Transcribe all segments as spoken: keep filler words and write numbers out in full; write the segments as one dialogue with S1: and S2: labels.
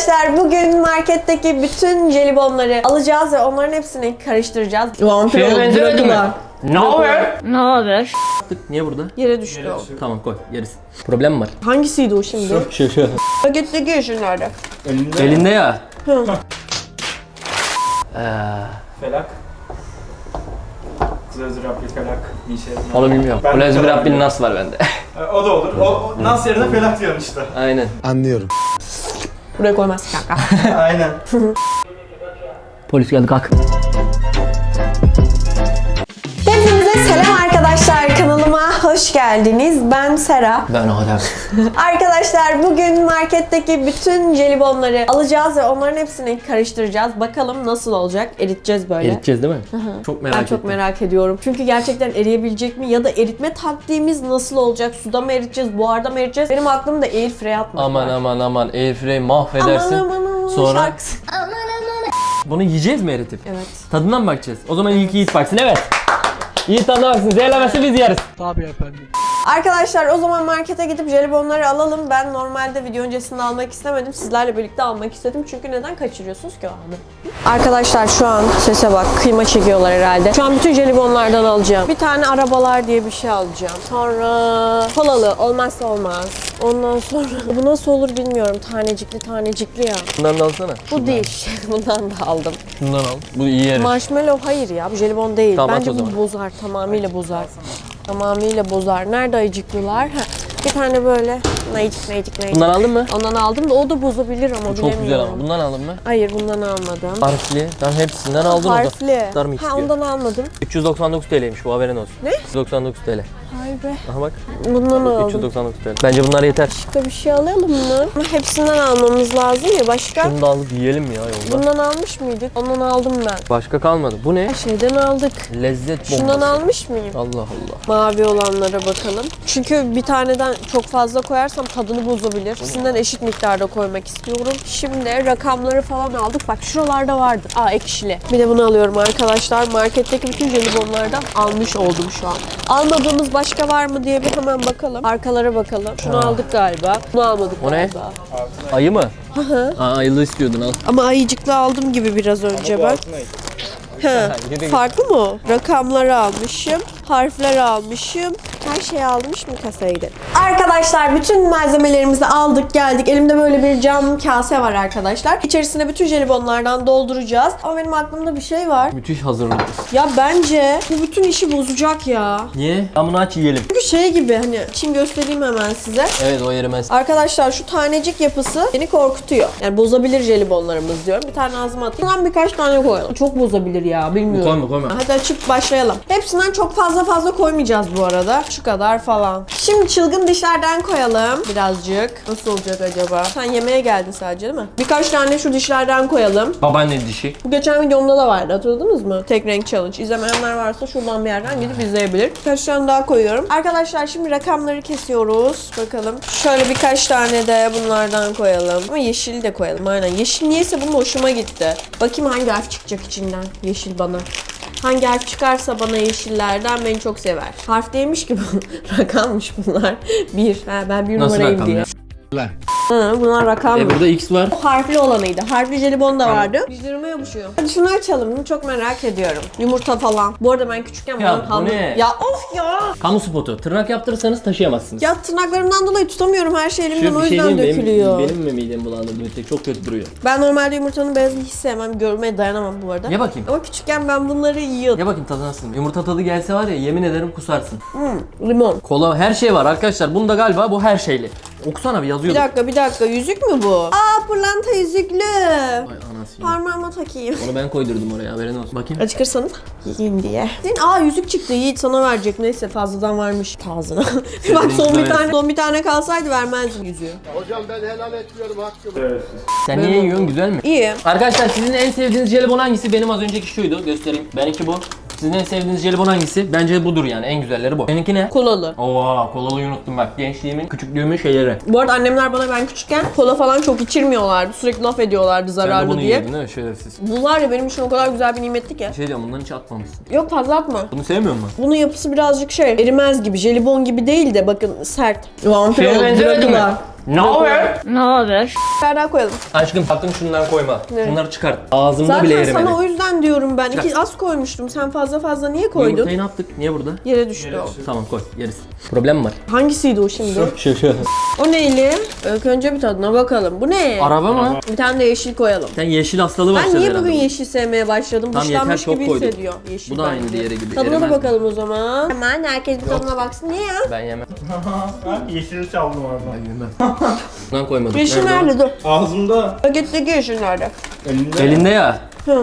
S1: Arkadaşlar bugün marketteki bütün jelibonları alacağız ve onların hepsini karıştıracağız. Vampir
S2: Şeye benzemedi mi?
S1: oldular.
S2: Ne haber?
S3: Ne haber?
S2: Niye burada?
S1: Yere düştü o.
S2: Tamam koy yeriz. Problem mi var?
S1: Hangisiydi o şimdi?
S2: Şu şu.
S1: Paketteki yeşil nerede?
S4: Elinde.
S2: Elinde ya.
S1: Hı.
S2: Ee,
S4: Felak. Zır Rabbi felak bir şey.
S2: onu bilmiyorum.
S4: Ben de
S2: Ulez bir
S4: felak
S2: Rabbin
S4: diyorum.
S2: nas var bende.
S4: E, O da olur. O, o nas yerine felak diyorsun işte.
S2: Aynen.
S5: Anlıyorum.
S1: Buraya koymaz kanka.
S4: Aynen.
S2: Polis geldi kalk.
S1: Hepinize selam arkadaşlar, kanalıma hoş geldiniz. Ben Sera.
S2: Ben o kadar.
S1: Arkadaşlar bugün marketteki bütün jelibonları alacağız ve onların hepsini karıştıracağız. Bakalım nasıl olacak? Eriteceğiz böyle.
S2: Eriteceğiz değil mi? Çok merak
S1: Ben
S2: ettim.
S1: çok merak ediyorum. Çünkü gerçekten eriyebilecek mi? Ya da eritme taktiğimiz nasıl olacak? Suda mı eriteceğiz? Buharda mı eriteceğiz? Benim aklımda airfryer atmak
S2: Aman
S1: var.
S2: aman aman airfryer mahvedersin.
S1: Aman aman aman.
S2: Sonra
S1: Şarkısı.
S2: bunu yiyeceğiz mi eritip?
S1: Evet.
S2: Tadından mı bakacağız? O zaman ilk Yiğit baksın, evet. Yiğit tadına baksın, zehirlemesi biz yeriz.
S1: Arkadaşlar o zaman markete gidip jelibonları alalım. Ben normalde video öncesinde almak istemedim. Sizlerle birlikte almak istedim. Çünkü neden kaçırıyorsunuz ki o anı? Arkadaşlar şu an sese bak. Kıyma çekiyorlar herhalde. Şu an bütün jelibonlardan alacağım. Bir tane arabalar diye bir şey alacağım. Sonra kolalı. Olmazsa olmaz. Ondan sonra bu nasıl olur bilmiyorum. Tanecikli tanecikli ya.
S2: Bundan da alsana.
S1: Bu değil. Bundan da aldım.
S2: Şundan al. Bu iyi yeriz.
S1: Marshmallow hayır ya. Bu jelibon değil.
S2: Tamam, at
S1: Bence
S2: o
S1: bu
S2: zaman.
S1: bozar. Tamamıyla bozar. Tamamıyla bozar. Nerede ayıcıklılar? Ha, bir tane böyle nayıcık nayıcık nayıcık.
S2: Bundan aldın mı?
S1: Ondan aldım da o da bozabilir ama
S2: Çok
S1: bilemiyorum.
S2: güzel ama. Bundan aldın mı?
S1: Hayır bundan almadım.
S2: Harfli. Ben hepsinden aldın o da.
S1: Harfli.
S2: Dar mı
S1: Ha
S2: istiyor?
S1: ondan almadım.
S2: üç yüz doksan dokuz T L'ymiş bu, haberin olsun.
S1: Ne?
S2: üç yüz doksan dokuz T L.
S1: Hay be.
S2: Aha bak.
S1: Bundan
S2: üç
S1: aldım.
S2: yüz doksan dokuz T L. Bence bunlar yeter.
S1: Başka bir şey alalım mı? Ama hepsinden almamız lazım ya. Başka?
S2: Şunu da alıp yiyelim ya yolda.
S1: Bundan almış mıydık? Ondan aldım ben.
S2: Başka kalmadı. Bu ne?
S1: Her şeyden aldık.
S2: Lezzet bombası.
S1: Şundan almış mıyım?
S2: Allah Allah.
S1: Mavi olanlara bakalım. Çünkü bir taneden çok fazla koyarsam tadını bozabilir. İkisinden eşit miktarda koymak istiyorum. Şimdi rakamları falan aldık. Bak şuralarda vardı. Aa ekşili. Bir de bunu alıyorum arkadaşlar. Marketteki bütün jelibonlardan almış oldum şu an. Almadığımız başka var mı diye bir hemen bakalım. Arkalara bakalım. Şunu aldık galiba. Bunu almadık
S2: O ne?
S1: galiba.
S2: Ayı mı? Aa, ayılı istiyordun al.
S1: Ama ayıcıklı aldım gibi biraz önce ben. Ha, farklı mı o? Rakamları almışım, harfler almışım. Her şeyi almış mı kasaya gidelim. Arkadaşlar bütün malzemelerimizi aldık geldik. Elimde böyle bir cam kase var arkadaşlar. İçerisine bütün jelibonlardan dolduracağız. Ama benim aklımda bir şey var.
S2: Müthiş hazırlık.
S1: Ya bence bu bütün işi bozacak ya.
S2: Niye? Ben bunu aç yiyelim.
S1: Çünkü şey gibi hani için göstereyim hemen size.
S2: Evet, o yerimez.
S1: Arkadaşlar şu tanecik yapısı beni korkutuyor. Yani bozabilir jelibonlarımız diyorum. Bir tane ağzıma atayım. Bundan birkaç tane koyalım. Çok bozabilir ya bilmiyorum.
S2: Koyma koyma.
S1: Hadi açıp başlayalım. Hepsinden çok fazla fazla koymayacağız bu arada. Şu kadar falan. Şimdi çılgın dişlerden koyalım birazcık. Nasıl olacak acaba? Sen yemeğe geldin sadece değil mi? Birkaç tane şu dişlerden koyalım.
S2: Babaanne dişi.
S1: Bu geçen videomda da vardı, hatırladınız mı? Tek renk challenge. İzlemeyenler varsa şuradan bir yerden gidip izleyebilir. Birkaç tane daha koyuyorum. Arkadaşlar şimdi rakamları kesiyoruz. Bakalım. Şöyle birkaç tane de bunlardan koyalım. Ama yeşil de koyalım aynen. Yeşil niyeyse bunun hoşuma gitti. Bakayım hangi harf çıkacak içinden. Yeşil bana. Hangi harf çıkarsa bana yeşillerden beni çok sever. Harf değilmiş ki bu. Rakammış bunlar. Bir. Ha, ben bir
S2: Nasıl
S1: numarayım
S2: rakam
S1: diye.
S2: ya?
S1: Hı, bunlar rakam.
S2: E burada X var.
S1: O harfli olanıydı. Harfli jelibon da vardı. Dişlerime yapışıyor. Hadi şunu açalım. Bunu çok merak ediyorum. Yumurta falan. Bu arada ben küçükken
S2: Ya
S1: bunun
S2: bu
S1: hamur...
S2: ne?
S1: Ya of ya!
S2: Kamu spotu. Tırnak yaptırırsanız taşıyamazsınız.
S1: Ya tırnaklarımdan dolayı tutamıyorum her şey elimden, o yüzden
S2: diyeyim mi?
S1: dökülüyor.
S2: Benim, benim mi midemi bulandırdı bir tek? Çok kötü duruyor.
S1: Ben normalde yumurtanın beyazını hiç sevmem. Görmeye dayanamam bu arada.
S2: Ye bakayım.
S1: Ama küçükken ben bunları yiyordum.
S2: Ye bakayım tadı nasıl? Yumurta tadı gelse var ya, yemin ederim kusarsın.
S1: Hmm, limon.
S2: Kola, her şey var arkadaşlar. Bunda galiba bu her şeyli. Okusana bir
S1: Bir
S2: yazıyordu.
S1: dakika bir dakika. Yüzük mü bu? Aa pırlanta yüzüklü.
S2: Ay anasını.
S1: Parmağıma takayım.
S2: Onu ben koydurdum oraya, haberin olsun. Bakayım.
S1: Acıkırsanız yiyeyim diye. Aa yüzük çıktı. Yiğit sana verecek. Neyse fazladan varmış ağzına. Bak son bir tane son bir tane kalsaydı vermezdim yüzüğü.
S5: Hocam ben helal etmiyorum hakkımı.
S4: Evet.
S2: Sen niye yiyorsun, güzel mi?
S1: İyi.
S2: Arkadaşlar sizin en sevdiğiniz jelibon hangisi? Benim az önceki şuydu, göstereyim. Benimki bu. Sizin en sevdiğiniz jelibon hangisi? Bence budur yani, en güzelleri bu. Benimki ne?
S1: Kolalı.
S2: Oha, kolalıyı unuttum bak. Gençliğimin, küçüklüğümün şeyleri.
S1: Bu arada annemler bana ben küçükken kola falan çok içirmiyorlardı. Sürekli laf ediyorlardı
S2: Sen de
S1: zararlı
S2: bunu
S1: diye.
S2: yedin değil mi? Şerefsiz.
S1: Bu var ya benim için o kadar güzel bir nimetti ki.
S2: Bir şey diyorum, bundan hiç atmamışsın.
S1: Yok fazla atma.
S2: Bunu sevmiyor musun?
S1: Bunun yapısı birazcık şey, erimez gibi, jelibon gibi değil de bakın sert. Vampir
S2: Şeye benzemedi mi?
S1: oldular.
S2: Ne haber?
S1: Ne haber? Daha koyalım.
S2: Aşkım sakın şundan koyma.
S1: Ne?
S2: Şunları çıkart. Ağzımda
S1: Zaten
S2: bile erimedi.
S1: sana o yüzden diyorum ben.
S2: Çıkar.
S1: İki az koymuştum. Sen fazla fazla niye koydun?
S2: Yumurtayı ne yaptık? Niye burada?
S1: Yere düştü
S4: Yere
S1: o.
S4: düştü.
S2: Tamam koy yeriz. Problem mi var?
S1: Hangisiydi o şimdi?
S2: Şu şu.
S1: O neyli? İlk önce bir tadına bakalım. Bu ne?
S2: Araba mı?
S1: Bir tane de yeşil koyalım.
S2: Sen yeşil hastalığı
S1: Ben
S2: başladı
S1: niye
S2: herhalde.
S1: bugün yeşil sevmeye başladım?
S2: Tamam, yeter,
S1: Dışlanmış
S2: çok
S1: gibi
S2: koyduk.
S1: hissediyor yeşil.
S2: Bu da aynı
S1: bence.
S2: diğeri gibi,
S1: Tadına da
S2: erimez.
S1: bakalım o zaman. Hemen herkes bir tadına baksın. Niye ya?
S2: Ben yemem.
S4: Yeşili çaldım oradan.
S2: Ben yemem. Bundan koymadım.
S1: Yeşil
S2: Nerede o?
S1: nerede? Dur.
S4: Ağzımda.
S1: Paketteki yeşil nerede?
S4: Elinde.
S2: Elinde ya.
S1: Hı.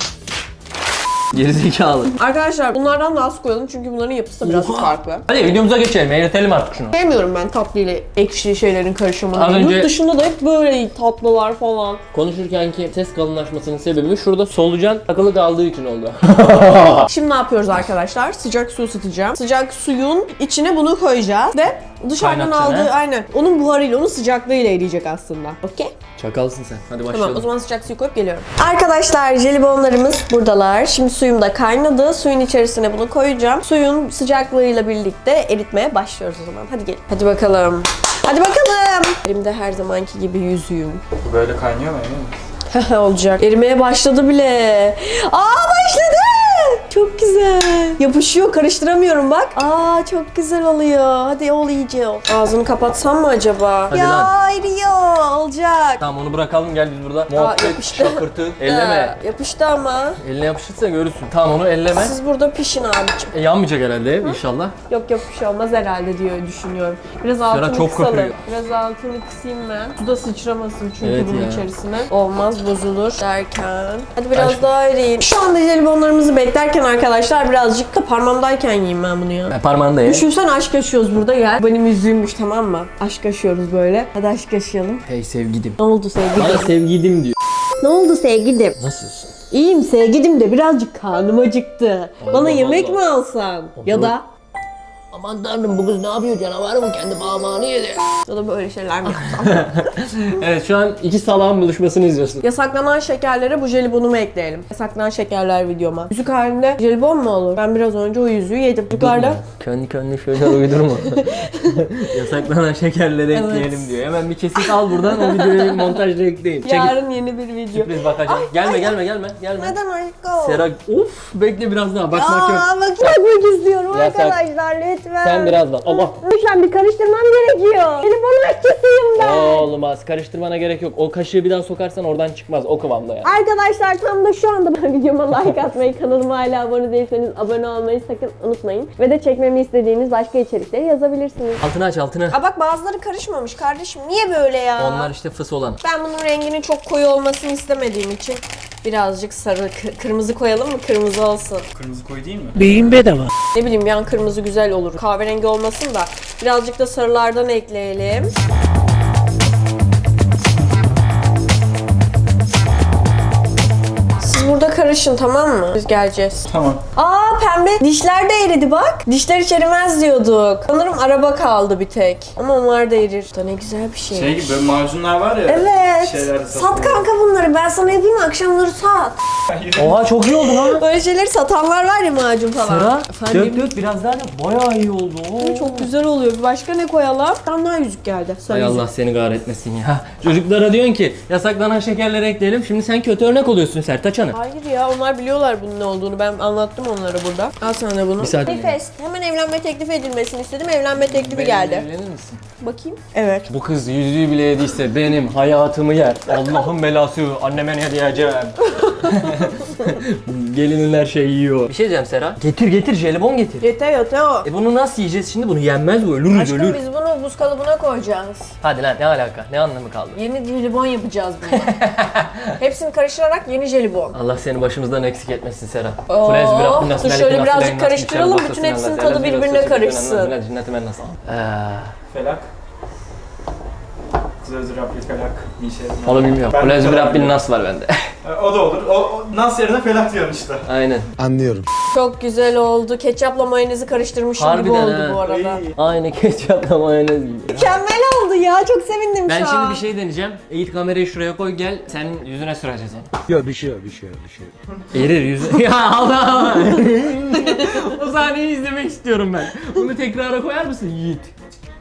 S2: Gerizekalı.
S1: Arkadaşlar bunlardan da az koyalım çünkü bunların yapısı da biraz
S2: Oha.
S1: farklı.
S2: Hadi videomuza geçelim. Eğretelim artık şunu.
S1: Sevmiyorum ben tatlı ile ekşi şeylerin karışımını.
S2: Az önce-
S1: Yurt dışında da hep böyle tatlılar falan.
S2: Konuşurkenki ses kalınlaşmasının sebebi şurada solucan takılı kaldığı için oldu.
S1: Şimdi ne yapıyoruz arkadaşlar? Sıcak su ısıtacağım. Sıcak suyun içine bunu koyacağız ve dışarıdan
S2: Kaynatacaksın,
S1: aldığı
S2: he?
S1: aynen onun buharıyla, onun sıcaklığıyla eriyecek aslında. Okey?
S2: Çakalsın sen. Hadi başlayalım.
S1: Tamam, o zaman sıcak suyu koyup geliyorum. Arkadaşlar jelibonlarımız buradalar. Şimdi suyum da kaynadı. Suyun içerisine bunu koyacağım. Suyun sıcaklığıyla birlikte eritmeye başlıyoruz o zaman. Hadi gelin. Hadi bakalım. Hadi bakalım. Elimde her zamanki gibi yüzüğüm.
S4: Böyle kaynıyor mu emin misin?
S1: Olacak. Erimeye başladı bile. Aa başladı. Çok güzel. Yapışıyor, karıştıramıyorum bak. Aa çok güzel oluyor. Hadi ol iyice ol. Ağzını kapatsam mı acaba?
S2: Hadi
S1: ya
S2: lan.
S1: eriyor. Olacak.
S2: Tamam onu bırakalım gel biz burada. Muhabbet,
S1: yapıştı.
S2: şakırtı. Elleme.
S1: Ha, yapıştı ama.
S2: Eline yapışırsa görürsün. Tamam onu elleme.
S1: Siz burada pişin abicim.
S2: E, yanmayacak herhalde ev inşallah.
S1: Yok yok bir şey olmaz herhalde diye düşünüyorum. Biraz altını
S2: çok
S1: kısalım.
S2: kokuyor.
S1: Biraz altını kısayım ben. Su da sıçramasın çünkü
S2: Evet
S1: bunun
S2: ya.
S1: içerisine. Olmaz bozulur derken. Hadi biraz
S2: Aşkım.
S1: daha eriyin. Şu anda jelibonlarımızı beklerken arkadaşlar birazcık da parmağımdayken yiyeyim ben bunu ya.
S2: Ben parmağında ye.
S1: Düşünsene aşk yaşıyoruz burada gel. Benim yüzüğümmüş tamam mı? Aşk yaşıyoruz böyle. Hadi aşk yaşayalım.
S2: Hey sevgilim.
S1: Ne oldu sevgilim?
S2: Bana sevgilim diyor.
S1: Ne oldu sevgilim?
S2: Nasılsın?
S1: İyiyim sevgilim de birazcık karnım acıktı.
S2: Allah
S1: Bana yemek
S2: Allah.
S1: mi alsan? Ya da
S2: Aman tanrım bu kız ne yapıyor canavar mı kendi parmağını yedi.
S1: ya da böyle şeyler mi yapsam?
S2: Evet şu an iki salağın buluşmasını izliyorsun.
S1: Yasaklanan şekerlere bu jelibonumu ekleyelim. Yasaklanan şekerler videoma. Yüzük halinde jelibon mu olur? Ben biraz önce o yüzüğü yedim. Yukarıda.
S2: Kendi kendine şeyler uydurma. Yasaklanan şekerleri
S1: Evet.
S2: ekleyelim diyor. Hemen bir kesit al buradan o videoyu montajda ekleyin. Çekil.
S1: Yarın yeni bir video.
S2: Sürpriz bakacağım. Gelme gelme gelme gelme.
S1: Neden aşkım?
S2: Sera of bekle biraz daha bakmak yok.
S1: Aa, bak bakmak istiyorum
S2: Ya sen-
S1: arkadaşlar lütfen.
S2: Sen birazdan. Allah.
S1: Lütfen bir karıştırmam gerekiyor. Jelibonun aşçısıyım ben.
S2: Olmaz. Karıştırmana gerek yok. O kaşığı bir daha sokarsan oradan çıkmaz. O kıvamda yani.
S1: Arkadaşlar tam da şu anda ben videoma like atmayı, kanalıma hala abone değilseniz abone olmayı sakın unutmayın. Ve de çekmemi istediğiniz başka içerikleri yazabilirsiniz.
S2: Altını aç altını.
S1: Aa bak bazıları karışmamış kardeşim. Niye böyle ya?
S2: Onlar işte fıs olan.
S1: Ben bunun renginin çok koyu olmasını istemediğim için birazcık sarı, kı- kırmızı koyalım mı? Kırmızı olsun.
S4: Kırmızı koy değil mi?
S1: Ne bileyim yan kırmızı güzel olur. Kahverengi olmasın da birazcık da sarılardan ekleyelim. Siz burada karışın tamam mı? Biz geleceğiz.
S4: Tamam.
S1: Aa pembe dişler de eridi bak. Dişler hiç erimez diyorduk. Sanırım araba kaldı bir tek. Ama onlar da erir. Bu da ne güzel bir şey.
S4: Şey gibi böyle macunlar var ya.
S1: Evet.
S4: Şeylerde
S1: Sat
S4: satılıyor.
S1: kanka bunları. Ben sana yapayım akşamları sat.
S2: Oha çok iyi oldu lan.
S1: Böyle şeyleri satanlar var ya macun falan.
S2: Sera
S1: Efendim?
S2: dök dök biraz daha da bayağı iyi oldu. Oo.
S1: Çok güzel oluyor. Bir başka ne koyalım? Tam daha yüzük geldi. Sarı
S2: Hay
S1: yüzük.
S2: Allah seni kahretmesin ya. Çocuklara diyorsun ki yasaklanan şekerleri ekleyelim. Şimdi sen kötü örnek oluyorsun Sertaç Hanım.
S1: Hayır ya onlar biliyorlar bunun ne olduğunu. Ben anlattım onlara burada. Al sana da bunu.
S2: Bir saat-
S1: Nefes. Hemen evlenme teklif edilmesini istedim. Evlenme teklifi geldi.
S2: Evlenir misin?
S1: Bakayım. Evet.
S2: Bu kız yüzüğü bile yediyse benim hayatımı yer. Allah'ın belası. Anneme ne diyeceğim? Gelinin her şeyi yiyor. Bir şey diyeceğim Sera. Getir getir jelibon getir.
S1: Yeter yeter o.
S2: E bunu nasıl yiyeceğiz şimdi? Bunu yenmez bu. Ölürüz
S1: Aşkım
S2: ölür.
S1: biz bunu buz kalıbına koyacağız.
S2: Hadi lan ne alaka? Ne anlamı kaldı?
S1: Yeni jelibon yapacağız bunu. Hepsini karıştırarak yeni jelibon.
S2: Allah seni başımızdan eksik etmesin Sera.
S1: Oo,
S2: Kulez bir Rabbin nasıl
S1: dur
S2: melikin
S1: şöyle
S2: nasıl
S1: birazcık
S2: leyin nasıl
S1: karıştıralım,
S2: biçer
S1: bütün
S2: nasıl
S1: hepsinin
S2: nasıl
S1: tadı
S2: nasıl
S1: birbirine
S2: nasıl
S1: karışsın.
S2: nasıl nasıl cinneti ben nasıl? Eee,
S4: Felak. Zözü Rabbi felak bir şey.
S2: onu bilmiyorum.
S4: Ben
S2: Kulez bir
S4: de
S2: Rabbin
S4: bilmiyorum.
S2: nas var bende.
S4: E, O da olur. O, o nas yerine felak diyorsun işte.
S2: Aynen.
S5: Anlıyorum.
S1: Çok güzel oldu. Ketçapla mayonezi karıştırmışım gibi
S2: Harbiden
S1: oldu
S2: ha.
S1: bu arada.
S4: İyi.
S2: Aynı ketçapla mayonez gibi.
S1: Mükemmel oldu ya. Çok sevindim
S2: Ben
S1: şu an.
S2: şimdi bir şey deneyeceğim. Eğit kamerayı şuraya koy gel. Senin yüzüne süreceğiz onu.
S5: Yok bir şey yok bir şey yok bir şey yok.
S2: Erir yüzü. Ya Allah Allah. O sahneyi izlemek istiyorum ben. Bunu tekrara koyar mısın Yiğit?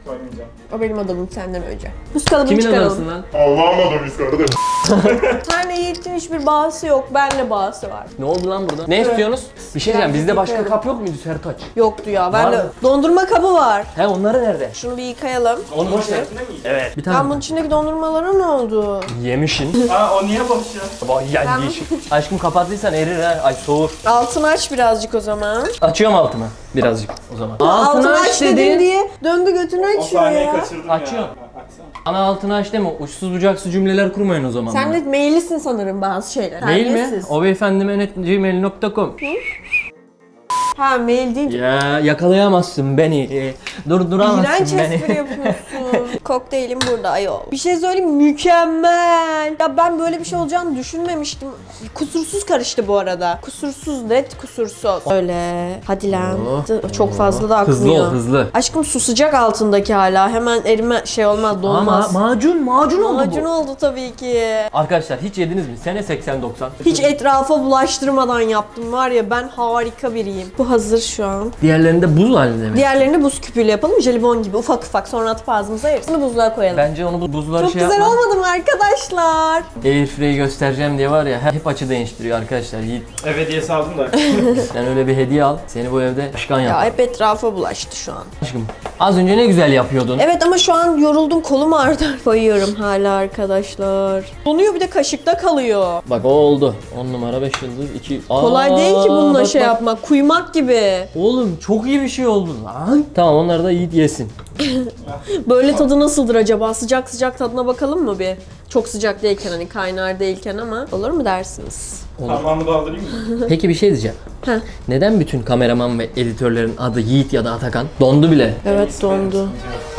S4: Koymayacağım.
S1: O benim adamım senden önce. Buz kalıbını
S2: Kimin
S1: çıkaralım.
S2: adamsın lan?
S3: Allah'ın adamıyız kardeş.
S1: Senle Yiğit'in hiçbir bağısı yok. Benle bağısı var.
S2: Ne oldu lan burada? Ne istiyorsunuz? Bir şey diyeceğim. Bizde başka
S1: yıkayalım.
S2: kap yok muydu Sertaç?
S1: Yoktu ya.
S2: Var
S1: Ben de
S2: mı?
S1: dondurma kabı var.
S2: He onları nerede?
S1: Şunu bir yıkayalım.
S2: Onu boş ver.
S4: İçerisinde mi yiyeceğim?
S2: Evet. Bir
S1: Ben
S2: tane.
S1: bunun içindeki dondurmalara ne oldu?
S2: Yemişin.
S4: Aa o niye boş ya?
S2: Vay yani yeşil. Aşkım kapattıysan erir ha. Ay soğur.
S1: Altını aç birazcık o zaman.
S2: Açıyorum altımı. Birazcık o zaman.
S1: Altını aç dedin diye döndü götünü
S4: O
S1: açıyor
S4: sahneyi
S1: ya.
S4: kaçırdım
S2: Açıyor.
S4: ya. A- Açsana.
S2: Ana altını aç deme. Uçsuz bucaksız cümleler kurmayın o zaman.
S1: Sen
S2: bana.
S1: de maillisin sanırım bazı şeyler.
S2: Mail mi?
S1: Terbiyesiz.
S2: O beyefendime net gmail nokta com.
S1: Ha mail değil.
S2: Ya yakalayamazsın beni. Durduramazsın
S1: İğrenç
S2: beni.
S1: espri yapıyorsun. Kokteylim burada ayol. Bir şey söyleyeyim mükemmel. Ya ben böyle bir şey olacağını düşünmemiştim. Kusursuz karıştı bu arada. Kusursuz net kusursuz. Öyle. Hadi lan.
S2: Oh.
S1: Çok fazla da akmıyor.
S2: Hızlı ol hızlı.
S1: Aşkım su sıcak altındaki hala. Hemen erime şey olmaz donmaz.
S2: Ama macun macun oldu
S1: Macun
S2: bu.
S1: oldu tabii ki.
S2: Arkadaşlar hiç yediniz mi? Sene seksen doksan.
S1: Hiç etrafa bulaştırmadan yaptım var ya ben harika biriyim. Bu hazır şu an.
S2: Diğerlerinde buz halinde mi?
S1: Diğerlerini buz küpüyle yapalım. Jelibon gibi ufak ufak sonra atıp ağzımıza yeriz. Bunu buzluğa koyalım.
S2: Bence onu bu buzları
S1: Çok
S2: şey
S1: güzel
S2: yapma.
S1: olmadı mı arkadaşlar?
S2: Airfryer'i göstereceğim diye var ya hep açı değiştiriyor arkadaşlar. Yiğit
S4: Ev hediyesi aldım da.
S2: sen öyle bir hediye al. Seni bu evde başkan yap.
S1: Ya hep etrafa bulaştı şu an.
S2: Aşkım az önce ne güzel yapıyordun.
S1: Evet ama şu an yoruldum kolum ağrıdı. Koyuyorum hala arkadaşlar. Donuyor bir de kaşıkta kalıyor.
S2: Bak o oldu. on numara beş yıldız iki.
S1: Kolay
S2: Aa,
S1: değil ki bununla
S2: bak,
S1: şey
S2: bak.
S1: yapmak. Kuymak gibi.
S2: Oğlum çok iyi bir şey oldu lan. Tamam onları da Yiğit yesin.
S1: Böyle tadı nasıldır acaba? Sıcak sıcak tadına bakalım mı bir? Çok sıcak değilken hani kaynar değilken ama olur mu dersiniz?
S4: Parmağımı doldurayım mı?
S2: Peki bir şey diyeceğim.
S1: Heh.
S2: Neden bütün kameraman ve editörlerin adı Yiğit ya da Atakan? Dondu bile.
S1: Evet dondu.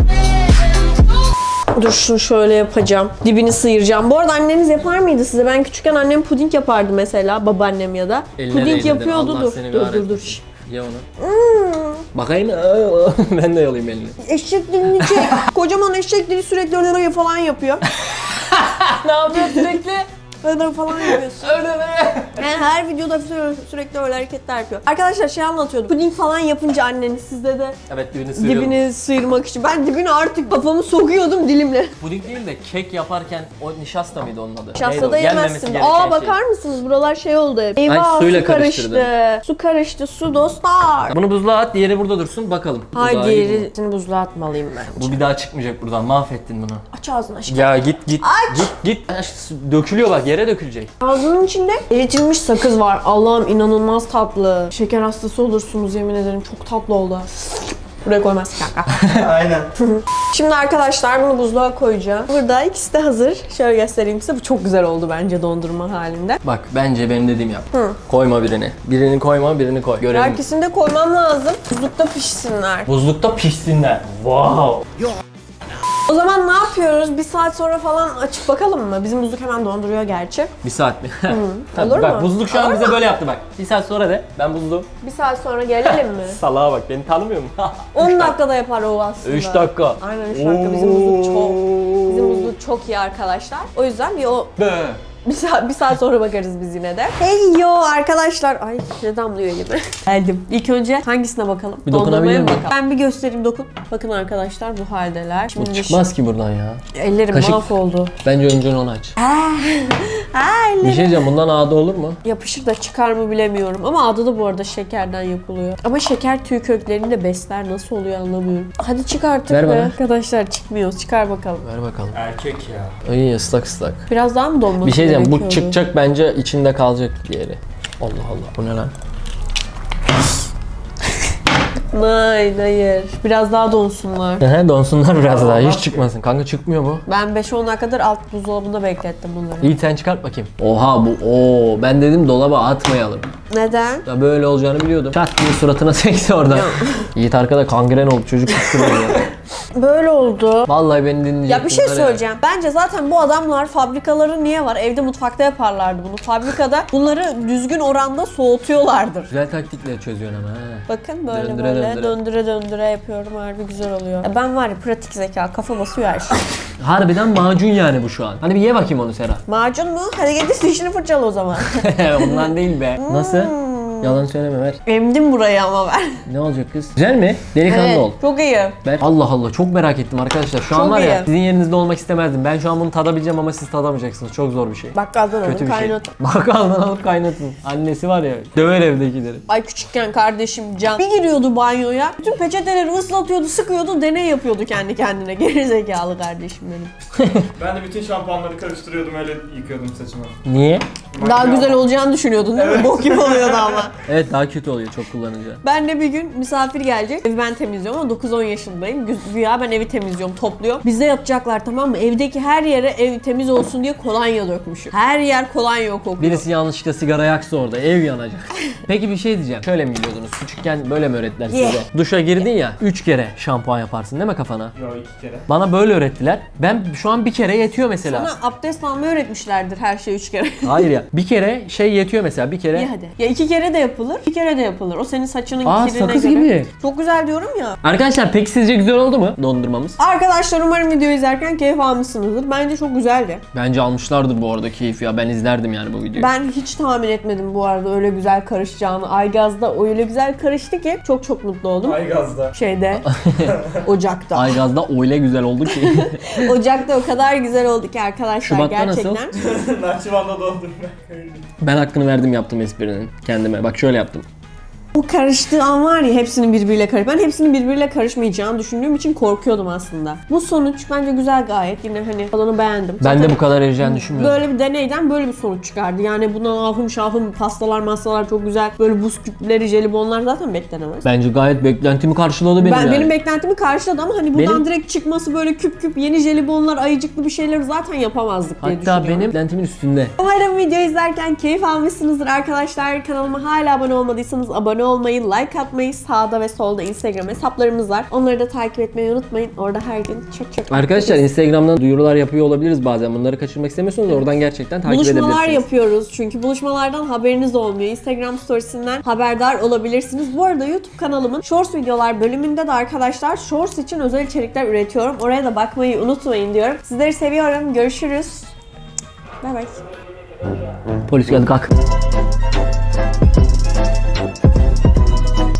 S1: Dur şunu şöyle yapacağım. Dibini sıyıracağım. Bu arada anneniz yapar mıydı size? Ben küçükken annem puding yapardı mesela. Babaannem ya da.
S2: Eline
S1: Puding
S2: değdirdin,
S1: yapıyordu.
S2: Allah
S1: Dur
S2: seni
S1: dur dur
S2: kahretsin.
S1: dur. Şş.
S2: Ye onu. Bakayım. Ben de yalayayım elini.
S1: Eşek dilini çek. Kocaman eşek dili sürekli öyle falan yapıyor.
S2: Ne yapıyor sürekli?
S1: Öyle falan yapıyorsun.
S2: Öyle be.
S1: Yani her videoda sü- sürekli öyle hareketler yapıyor. Arkadaşlar şey anlatıyordu. Puding falan yapınca anneniz sizde de
S2: Evet dibini sıyırıyordum.
S1: dibini sıyırmak için. Ben dibini artık kafamı sokuyordum dilimle.
S2: Puding değil de kek yaparken o nişasta mıydı onun adı?
S1: Nişasta
S2: Neydi o?
S1: da
S2: Yenmemesi
S1: yemezsin.
S2: gereken
S1: Aa
S2: şey.
S1: bakar mısınız? Buralar şey oldu hep. Eyvah
S2: suyla
S1: su karıştı.
S2: karıştırdın.
S1: Su karıştı su dostlar.
S2: Bunu buzluğa at, diğeri burada dursun bakalım. Bu
S1: Hayır
S2: daha iyi bu.
S1: diğerini buzluğa atmalıyım ben.
S2: Bu bir daha çıkmayacak buradan. Mahvettin bunu.
S1: Aç ağzını aşkım.
S2: Ya git git.
S1: Aç.
S2: Git git. Aş, dökülüyor bak yere dökülecek.
S1: Ağzının içinde eritilmiş sakız var. Allah'ım inanılmaz tatlı. Şeker hastası olursunuz yemin ederim. Çok tatlı oldu. Buraya koymaz kanka.
S4: Aynen.
S1: Şimdi arkadaşlar bunu buzluğa koyacağım. Burada ikisi de hazır. Şöyle göstereyim size. Bu çok güzel oldu bence dondurma halinde.
S2: Bak bence benim dediğim yap.
S1: Hı.
S2: Koyma birini. Birini koyma birini koy. Görelim.
S1: Herkesini de koymam lazım. Buzlukta pişsinler.
S2: Buzlukta pişsinler. Wow.
S1: O zaman ne yapıyoruz? Bir saat sonra falan açıp bakalım mı? Bizim buzluk hemen donduruyor gerçi.
S2: Bir saat mi? Tabii,
S1: Olur
S2: bak,
S1: mu?
S2: buzluk şu an
S1: Olur
S2: bize
S1: mu?
S2: böyle yaptı bak. Bir saat sonra de ben buzluğum.
S1: Bir saat sonra gelelim mi?
S2: Salağa bak beni tanımıyor mu?
S1: on dakikada yapar o aslında.
S2: üç dakika.
S1: Aynen üç dakika. Bizim buzluk çok. Bizim buzluk çok iyi arkadaşlar. O yüzden bir o
S2: Be.
S1: bir saat, bir saat sonra bakarız biz yine de. Hey yo arkadaşlar. Ay ne damlıyor elime. Geldim. İlk önce hangisine bakalım?
S2: Bir dokunabilir
S1: Dondurmaya mı
S2: miyim?
S1: bakalım? Ben bir göstereyim dokun. Bakın arkadaşlar bu haldeler.
S2: Bu
S1: Şimdi
S2: çıkmaz ki buradan ya.
S1: ellerim
S2: Kaşık.
S1: mahvoldu.
S2: Bence önce onu aç.
S1: Ay
S2: Bir şey diyeceğim bundan ağda olur mu?
S1: yapışır da çıkar mı bilemiyorum. Ama adı da bu arada şekerden yapılıyor. Ama şeker tüy köklerini de besler. Nasıl oluyor anlamıyorum. Hadi çık artık
S2: Ver
S1: be.
S2: bana.
S1: Arkadaşlar çıkmıyor. Çıkar bakalım.
S2: Ver bakalım.
S4: Erkek ya.
S2: Ay ıslak ıslak.
S1: Biraz daha mı donması
S2: Bir şey diyeceğim bu
S1: gerekiyordu?
S2: çıkacak bence içinde kalacak diğeri. Allah Allah bu ne lan?
S1: Hayır hayır. Biraz daha donsunlar.
S2: Ehe donsunlar biraz daha hiç çıkmasın. Kanka çıkmıyor bu.
S1: Ben beş on dakikadır alt buzdolabında beklettim bunları.
S2: İyi sen çıkart bakayım. Oha bu oo ben dedim dolaba atmayalım.
S1: Neden?
S2: Ya böyle olacağını biliyordum. Çat diye suratına sekti orada. Yiğit arkada kangren oldu çocuk kıskırıyor ya.
S1: Böyle oldu.
S2: Vallahi beni dinleyecek.
S1: Ya bir şey
S2: bunlar ya.
S1: söyleyeceğim. Bence zaten bu adamlar fabrikaları niye var? Evde mutfakta yaparlardı bunu. Fabrikada bunları düzgün oranda soğutuyorlardır.
S2: Güzel taktikle çözüyorsun ama ha.
S1: Bakın böyle
S2: Döndüre
S1: böyle
S2: döndüre.
S1: döndüre döndüre yapıyorum. Harbi güzel oluyor. Ya ben var ya pratik zeka. Kafa basıyor her şey.
S2: Harbiden macun yani bu şu an. Hani bir ye bakayım onu Sera.
S1: Macun mu? Hadi git dişini fırçala o zaman.
S2: Ondan değil be. Nasıl?
S1: Hmm,
S2: Yalan söyleme ver.
S1: Emdim burayı ama ben.
S2: Ne olacak kız? Güzel mi? Delikanlı
S1: Evet,
S2: ol.
S1: çok iyi.
S2: Ben Allah Allah çok merak ettim arkadaşlar. Şu an
S1: Çok
S2: var ya
S1: iyi.
S2: sizin yerinizde olmak istemezdim. Ben şu an bunu tadabileceğim ama siz tadamayacaksınız. Çok zor bir şey.
S1: Bakkaldan
S2: Kötü
S1: alın
S2: bir şey.
S1: kaynatın.
S2: Bakkaldan alıp kaynatın. Annesi var ya döver evdekileri.
S1: Ay küçükken kardeşim Can bir giriyordu banyoya. Bütün peçeteleri ıslatıyordu, sıkıyordu, deney yapıyordu kendi kendine. Gerizekalı kardeşim benim.
S4: Ben de bütün şampuanları karıştırıyordum öyle yıkıyordum saçımı.
S2: Niye?
S1: Daha
S4: Makine
S1: güzel
S4: ama.
S1: olacağını düşünüyordun değil mi?
S4: Evet.
S1: Bok gibi oluyordu ama.
S2: Evet daha kötü oluyor çok kullanınca.
S1: Ben de bir gün misafir gelecek. Evi ben temizliyorum ama dokuz on yaşındayım. Gü- Güya ben evi temizliyorum, topluyorum. Bize yapacaklar tamam mı? Evdeki her yere ev temiz olsun diye kolonya dökmüşüm. Her yer kolonya kokuyor.
S2: Birisi yanlışlıkla sigara yaksa orada ev yanacak. Peki bir şey diyeceğim. Şöyle mi biliyordunuz? Küçükken böyle mi öğrettiler size?
S1: Yeah.
S2: Duşa girdin ya üç kere şampuan yaparsın değil mi kafana?
S4: Yo iki kere.
S2: Bana böyle öğrettiler. Ben şu an bir kere yetiyor mesela.
S1: Sana abdest almayı öğretmişlerdir her şey üç kere.
S2: Hayır ya. Bir kere şey yetiyor mesela. Bir kere
S1: İyi hadi. Ya iki kere de yapılır, bir kere de yapılır. O senin saçının
S2: Aa,
S1: kirine
S2: sakız
S1: göre.
S2: gibi.
S1: Çok güzel diyorum ya.
S2: Arkadaşlar peki sizce güzel oldu mu dondurmamız?
S1: Arkadaşlar umarım videoyu izlerken keyif almışsınızdır. Bence çok güzeldi.
S2: Bence almışlardır bu arada keyif ya. Ben izlerdim yani bu videoyu.
S1: Ben hiç tahmin etmedim bu arada öyle güzel karışacağını. Aygaz'da öyle güzel karıştı ki çok çok mutlu oldum.
S4: Aygaz'da.
S1: Şeyde, Ocak'ta.
S2: Aygaz'da öyle güzel oldu ki.
S1: Ocak'ta o kadar güzel oldu ki arkadaşlar
S2: Şubat'ta nasıl?
S1: gerçekten.
S4: Nahçıvan'da doldum ben.
S2: Ben hakkını verdim yaptım esprinin kendime. Bak şöyle yaptım.
S1: Bu karıştığı an var ya hepsinin birbiriyle karış. Ben hepsinin birbiriyle karışmayacağını düşündüğüm için korkuyordum aslında. Bu sonuç bence güzel gayet. Yine hani tadını beğendim.
S2: Ben
S1: Zaten
S2: de bu kadar ereceğini düşünmüyordum.
S1: böyle bir deneyden böyle bir sonuç çıkardı. Yani buna ahım şahım pastalar masalar çok güzel. Böyle buz küpleri, jelibonlar zaten beklenemez.
S2: Bence gayet beklentimi karşıladı benim
S1: Ben
S2: yani.
S1: benim beklentimi karşıladı ama hani buradan
S2: Benim-
S1: direkt çıkması böyle küp küp yeni jelibonlar, ayıcıklı bir şeyler zaten yapamazdık diye
S2: Hatta
S1: düşünüyorum.
S2: benim beklentimin üstünde.
S1: Umarım video izlerken keyif almışsınızdır arkadaşlar. Kanalıma hala abone olmadıysanız abone olmayı, like atmayı, sağda ve solda Instagram hesaplarımız var. Onları da takip etmeyi unutmayın. Orada her gün çok çok
S2: Arkadaşlar Instagram'dan duyurular yapıyor olabiliriz bazen. Bunları kaçırmak istemiyorsanız oradan gerçekten takip
S1: buluşmalar
S2: edebilirsiniz.
S1: yapıyoruz çünkü buluşmalardan haberiniz olmuyor. Instagram storiesinden haberdar olabilirsiniz. Bu arada YouTube kanalımın Shorts videolar bölümünde de arkadaşlar Shorts için özel içerikler üretiyorum. Oraya da bakmayı unutmayın diyorum. Sizleri seviyorum. Görüşürüz. Bye bye.
S2: Polis geldi kalk.